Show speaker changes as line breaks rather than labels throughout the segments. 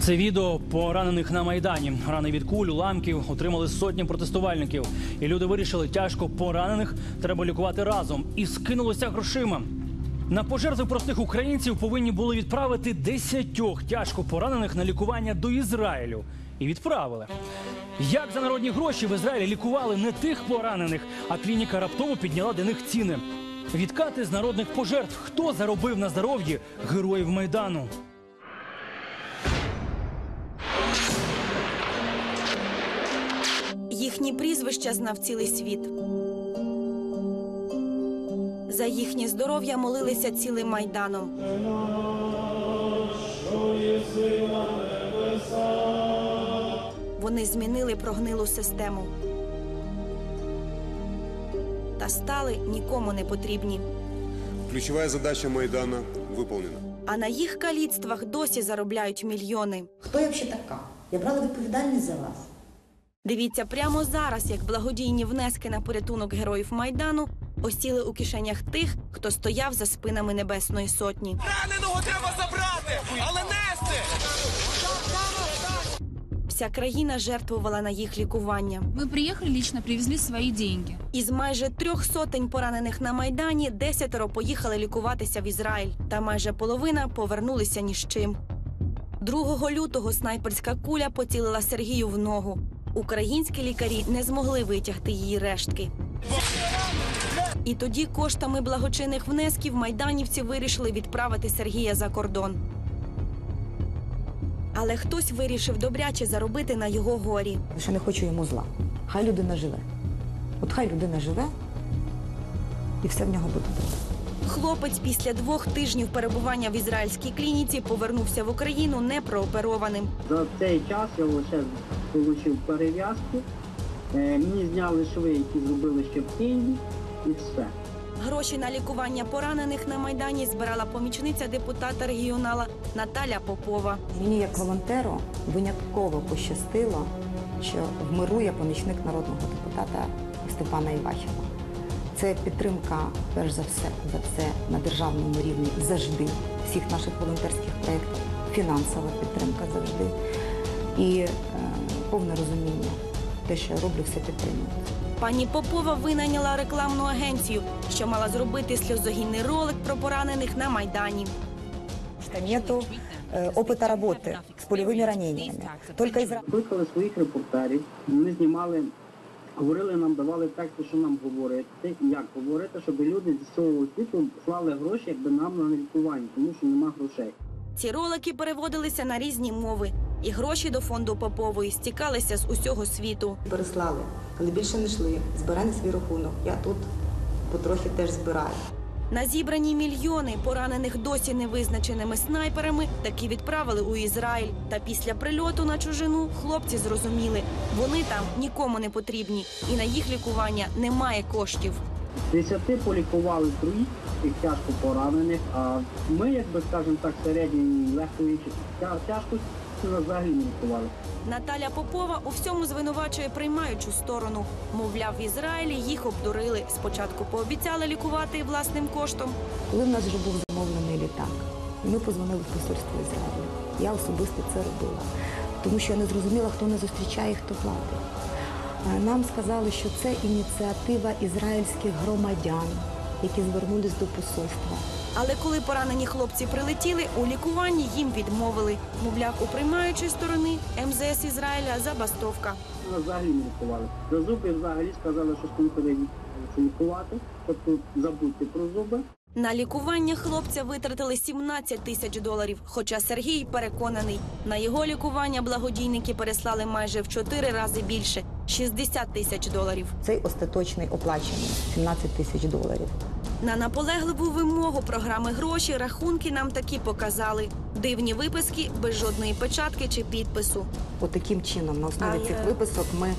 Це відео поранених на Майдані. Рани від куль, уламків отримали сотні протестувальників. І люди вирішили, тяжко поранених треба лікувати разом. І скинулося грошима. На пожертви простих українців повинні були відправити 10 тяжко поранених на лікування до Ізраїлю. І відправили. Як за народні гроші в Ізраїлі лікували не тих поранених, а клініка раптово підняла для них ціни. Відкати з народних пожертв. Хто заробив на здоров'ї героїв Майдану?
Їхні прізвища знав цілий світ. За їхнє здоров'я молилися цілим Майданом. Вони змінили прогнилу систему. Та стали нікому не потрібні.
Ключова задача Майдана виконана.
А на їх каліцтвах досі заробляють мільйони.
Хто я взагалі така? Я брала відповідальність за вас.
Дивіться прямо зараз, як благодійні внески на порятунок героїв Майдану осіли у кишенях тих, хто стояв за спинами Небесної Сотні.
Раненого треба забрати, але нести!
Вся країна жертвувала на їх лікування.
Мы приехали, лично привезли свои деньги.
Із майже 300 поранених на Майдані 10 поїхали лікуватися в Ізраїль. Та майже половина повернулися ні з чим. 2 лютого снайперська куля поцілила Сергію в ногу. Українські лікарі не змогли витягти її рештки. І тоді коштами благочинних внесків майданівці вирішили відправити Сергія за кордон. Але хтось вирішив добряче заробити на його горі.
Що не хочу йому зла. Хай людина живе. От хай людина живе, і все в нього буде добре.
Хлопець після 2 тижнів перебування в ізраїльській клініці повернувся в Україну непрооперованим.
За цей час я лише отримав перев'язку, мені зняли шви, які зробили ще в Києві, і все.
Гроші на лікування поранених на Майдані збирала помічниця депутата регіонала Наталя Попова.
Мені як волонтеру винятково пощастило, що в миру я помічник народного депутата Степана Івахіва. Це підтримка, перш за все, на державному рівні завжди всіх наших волонтерських проєктів, фінансова підтримка завжди і повне розуміння, те, що я роблю, все підтримується.
Пані Попова винайняла рекламну агенцію, що мала зробити сльозогінний ролик про поранених на Майдані.
Нету опыта работы с пулевыми ранениями. Только из...
Кликали своїх репортерів, вони знімали, говорили нам, давали тексти, що нам говорити, як говорити, щоб люди з цього світу слали гроші, якби нам на лікування, тому що нема грошей.
Ці ролики переводилися на різні мови, і гроші до фонду Попової стікалися з усього світу.
Переслали, коли більше не йшли, збирай на свій рахунок. Я тут потрохи теж збираю.
На зібрані мільйони поранених досі невизначеними снайперами таки відправили у Ізраїль. Та після прильоту на чужину хлопці зрозуміли, вони там нікому не потрібні, і на їх лікування немає коштів.
10 полікували троїх, тих тяжко поранених, а ми, якби, скажімо так, середньої легкої тяжкості нас взагалі не лікували.
Наталя Попова у всьому звинувачує приймаючу сторону. Мовляв, в Ізраїлі їх обдурили. Спочатку пообіцяли лікувати власним коштом.
Коли в нас вже був замовлений літак, і ми позвонили в посольство Ізраїлю, я особисто це робила, тому що я не зрозуміла, хто не зустрічає і хто платить. Нам сказали, що це ініціатива ізраїльських громадян, які звернулись до посольства.
Але коли поранені хлопці прилетіли, у лікуванні їм відмовили. Мовляв, у приймаючої сторони МЗС Ізраїля забастовка.
Нас взагалі не лікували. За зуби взагалі сказали, що скоро лікувати, тобто забудьте про зуби.
На лікування хлопця витратили $17 тисяч, хоча Сергій переконаний, на його лікування благодійники переслали майже в 4 рази більше – $60 тисяч.
Цей остаточний оплачений – $17 тисяч.
На наполегливу вимогу програми «Гроші» рахунки нам таки показали. Дивні виписки без жодної печатки чи підпису.
От таким чином, на основі цих виписок ми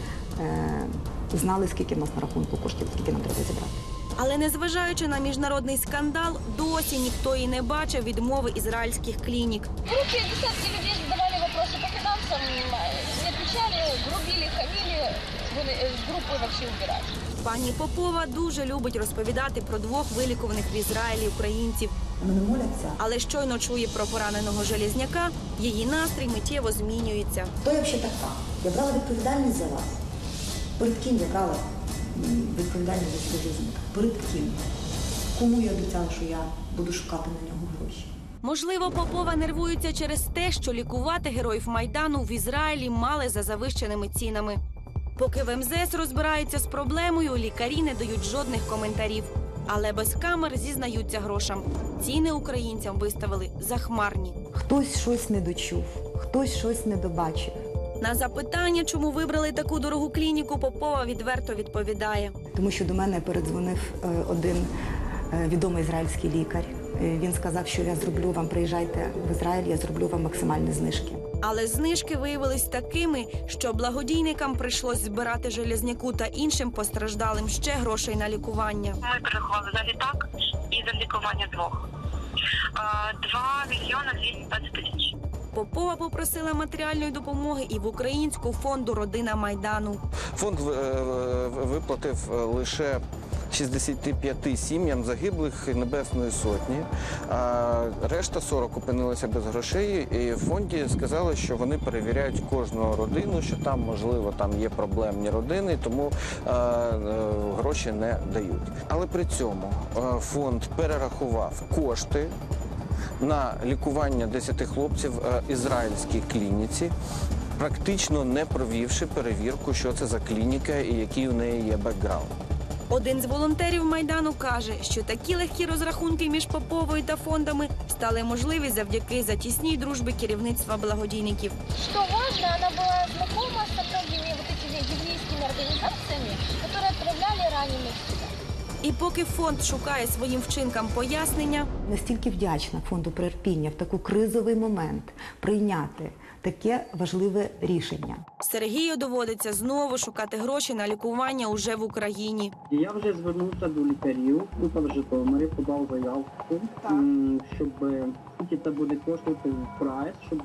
знали, скільки в нас на рахунку коштів, скільки нам треба зібрати.
Але незважаючи на міжнародний скандал, досі ніхто і не бачив відмови ізраїльських клінік.
В группе десятки людей задавали вопросы по финансам, не отвечали, грубили, хамили, с группы вообще убирать.
Пані Попова дуже любить розповідати про 2 вилікуваних в Ізраїлі українців.
Вони моляться.
Але щойно чує про пораненого Железняка, її настрій миттєво змінюється.
Хто я взагалі така? Я брала відповідальність за вас. Перед ким я брала відповідальність за свою життя? Перед ким? Кому я обіцяла, що я буду шукати на нього гроші?
Можливо, Попова нервується через те, що лікувати героїв Майдану в Ізраїлі мали за завищеними цінами. Поки в МЗС розбираються з проблемою, лікарі не дають жодних коментарів. Але без камер зізнаються грошам. Ціни українцям виставили захмарні.
Хтось щось не дочув, хтось щось не добачив.
На запитання, чому вибрали таку дорогу клініку, Попова відверто відповідає.
Тому що до мене передзвонив один відомий ізраїльський лікар. Він сказав, що я зроблю вам, приїжджайте в Ізраїль, я зроблю вам максимальні знижки.
Але знижки виявились такими, що благодійникам прийшлось збирати Железняку та іншим постраждалим ще грошей на лікування.
Ми перерахували за літак і за лікування двох. 2 мільйони 220 тисяч.
Попова попросила матеріальної допомоги і в Українську фонду «Родина Майдану».
Фонд виплатив лише 65 сім'ям загиблих Небесної Сотні, а решта 40 опинилися без грошей. І в фонді сказали, що вони перевіряють кожну родину, що там, можливо, там є проблемні родини, тому гроші не дають. Але при цьому фонд перерахував кошти на лікування 10 хлопців в ізраїльській клініці, практично не провівши перевірку, що це за клініка і який у неї є бекграунд.
Один з волонтерів Майдану каже, що такі легкі розрахунки між Поповою та фондами стали можливі завдяки затісній дружбі керівництва благодійників.
Что важно, она была знакома со многими вот этими еврейскими организациями, которые отправляли раненых сюда.
І поки фонд шукає своїм вчинкам пояснення,
Настільки вдячна фонду «Приірпіння» в такий кризовий момент прийняти таке важливе рішення.
Сергію доводиться знову шукати гроші на лікування уже в Україні.
Я вже звернувся до лікарів, тут в Житомирі, подав заявку, щоб скільки це буде коштувати в прайс, щоб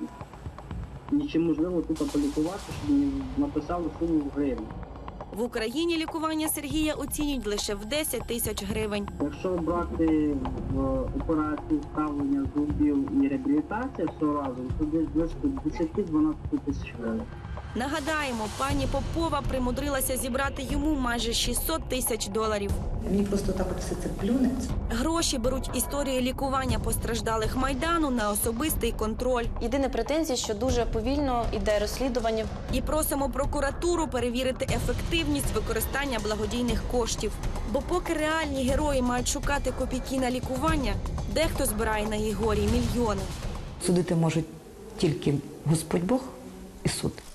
чи можливо тут полікувати, щоб мені написали суму в гривні.
В Україні лікування Сергія оцінюють лише в 10 тисяч гривень.
Якщо брати в операцію вставлення зубів і реабілітація все разом, то десь близько 10-12 тисяч гривень.
Нагадаємо, пані Попова примудрилася зібрати йому майже 600 тисяч доларів.
Мені просто так от все це плюнеться.
Гроші беруть історії лікування постраждалих Майдану на особистий контроль.
Єдина претензія, що дуже повільно йде розслідування.
І просимо прокуратуру перевірити ефективність використання благодійних коштів. Бо поки реальні герої мають шукати копійки на лікування, дехто збирає на їх горі мільйони.
Судити можуть тільки Господь Бог і суд.